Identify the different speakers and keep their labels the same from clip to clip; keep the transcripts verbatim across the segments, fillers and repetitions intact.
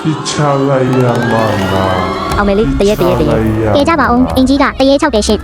Speaker 1: Pichalaya mana
Speaker 2: အောင်မယ်လေးတရက်တရက်တရက်
Speaker 3: ကဲကြပါအောင်အင်ကြီးကတရေ၆တယ်ရှင့်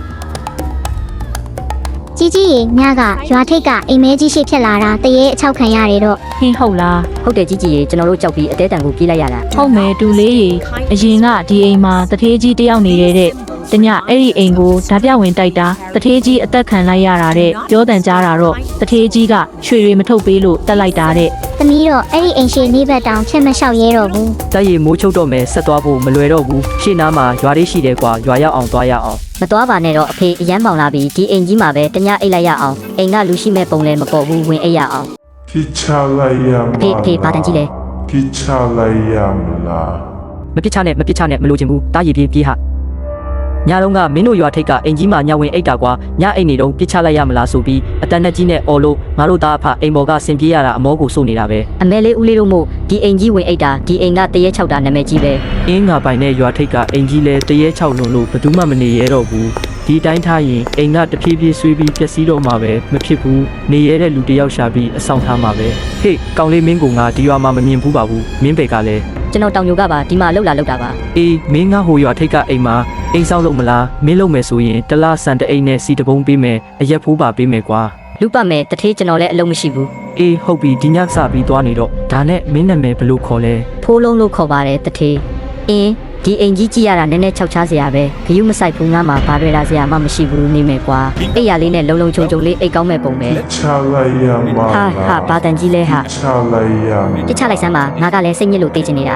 Speaker 3: ကြီးကြီးရေညကရွာထိတ်ကအိမ်မဲကြီးရှိဖြစ်လာတာတရေအချောက်ခံရတယ်တော့
Speaker 4: ဟင်းဟုတ်လား
Speaker 2: ဟုတ်တယ်ကြီးကြီးရေကျွန်တော်တို့ကြောက်ပြီးအသေးတန်ကိုပြေးလိုက်ရတာ
Speaker 4: ဟုတ်မယ်တူလေးရေအရင်ကဒီအိမ်မှာတထေးကြီးတယောက်နေရတဲ့တညအဲ့ဒီအိမ်ကိုဓာပြဝင်တိုက်တာတထေးကြီးအသက်ခံလိုက်ရတာတဲ့ပြောတန်ကြတာတော့တထေးကြီးကရွှေတွေမထုတ်ပေးလို့တက်လိုက်တာတဲ့
Speaker 3: သမီးတော့အဲ့ဒီအိမ်ရှိနေဘက်တောင်ချက်မလျှောက်ရဲတော့ဘူး
Speaker 5: တိုက်ရမိုးချုပ်တော့မယ်ဆက်သွားဖို့မလွယ်တော့ဘူးရှေ့နားမှာရွာလေးရှိတယ်ကွာရွာရောက်အောင်သွားရအောင်
Speaker 2: မသွားပါနဲ့တော့အဖေအရန်ပေါင်လာပြီးဒီအိမ်ကြီးမှာပဲတညအိတ်လိုက်ရအောင်အိမ်ကလူရှိမဲ့ပုံလည်းမပေါ်ဘူးဝင်အိတ်ရအောင်
Speaker 1: Pichalaya
Speaker 2: အဖေအဖေဘာတန်ကြီးလဲ
Speaker 1: Pichalaya mana
Speaker 5: မပစ်ချနဲ့မပစ်ချနဲ့မလို့ချင်ဘူးတားရည်ပြေးပြေးဟာညလုံးကမင်းတို့ရွာထိပ်ကအင်ကြီးမှာညဝင်အိတ်တာကွာညအိတ်နေတော့ပစ်ချလိုက်ရမလားဆိုပြီးအတန်နဲ့ကြီးနဲ့အော်လို့ငါတို့သားအဖအိမ်ပေါ်ကဆင်ပြေးရတာအမောကိုစိုးနေတာပဲ
Speaker 2: အမဲလေးဦးလေးတို့မို့ဒီအိမ်ကြီးဝင်အိတ်တာဒီအိမ်ကတရက်၆တာနာမည်ကြီးပဲ
Speaker 5: အင်းငါပိုင်နဲ့ရွာထိပ်ကအင်ကြီးလဲတရေချောက်လုံးလို့ဘယ်သူမှမနေရတော့ဘူးဒီတိုင်းထားရင်အိမ်ကတဖြည်းဖြည်းဆွေးပြီးပျက်စီးတော့မှာပဲမဖြစ်ဘူးနေရတဲ့လူတယောက်ရှာပြီးအဆောင်ထားမှာပဲဟေ့ကောင်လေးမင်းကငါဒီရွာမှာမမြင်ဘူးပါဘူးမင်းပေကလည်း
Speaker 2: ကျွန်တော်တောင်ညိုကပါဒီမှာလှုပ်လာလှုပ်တာပါ
Speaker 5: အေးမင်းငါဟိုရွာထိပ်ကအိမ်မှာအိမ်ဆောင်လို့မလားမင်းလုပ်မယ်ဆိုရင်တလားစံတအိမ်နဲ့စီတပုံးပေးမယ်အရက်ဖိုးပါပေးမယ်ကွာ
Speaker 2: လူပတ်မယ်တထေးကျွန်တော်လည်းအလုံးမရှိဘူး
Speaker 5: အေးဟုတ်ပြီဒီညစပြီးသွားနေတော့ဒါနဲ့မင်းနာမည်ဘယ်လိုခေါ်လဲ
Speaker 2: ဖိုးလုံးလို့ခေါ်ပါတယ်တထေးအင်းဒီအိမ်ကြီးကြည့်ရတာနည်းနည်းခြောက်ချားစရာပဲဂယုမဆိုင်ဘူးငါမှဘာတွေလာစရာမှမရှိဘူးနေမယ်ကွာအိတ်ရလေးနဲ့လုံလုံချုံချုံလေးအိတ်ကောင်းမဲ့ပုံပဲ
Speaker 1: Pichalaya
Speaker 2: ဟာဟာ
Speaker 1: mana
Speaker 2: ဘာတန်ကြီးလဲဟာ
Speaker 1: Pichalaya
Speaker 2: တစ်ချလိုက်စမ်းပါငါကလည်းစိတ်ညစ်လို့သိချင်နေတာ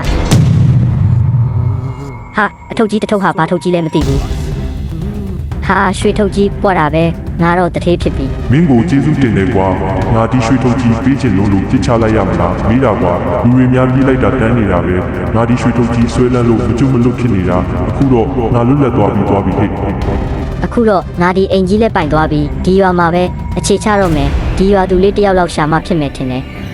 Speaker 2: ဟာအထုပ်ကြီးတစ်ထုပ်ဟာဘာထုပ်ကြီးလဲမသိဘူးဟာရွှေထုပ်ကြီးပွက်တာပဲငါတော့တထေးဖြစ်ပြီ
Speaker 1: မင်းကိုကျေးဇူးတင်တယ်ကွာငါဒီရွှေထုတ်ကြီးပေးချင်လို့လို့ပြစ်ချလိုက်ရမလားမိတာကွာလူတွေများပြေးလိုက်တာတန်းနေတာပဲငါဒီရွှေထုတ်ကြီးဆွဲလန်းလို့မကျွတ်မလွတ်ဖြစ်နေတာအခုတော့ငါလွတ်လပ်သွားပြီးသွားပြီဟဲ့
Speaker 2: အခုတော့ငါဒီအိမ်ကြီးလဲပိုင်သွားပြီဒီရွာမှာပဲအခြေချတော့မယ်ဒီရွာသူလေးတယောက်လောက်ရှာမှဖြစ်မယ်ထင်တယ်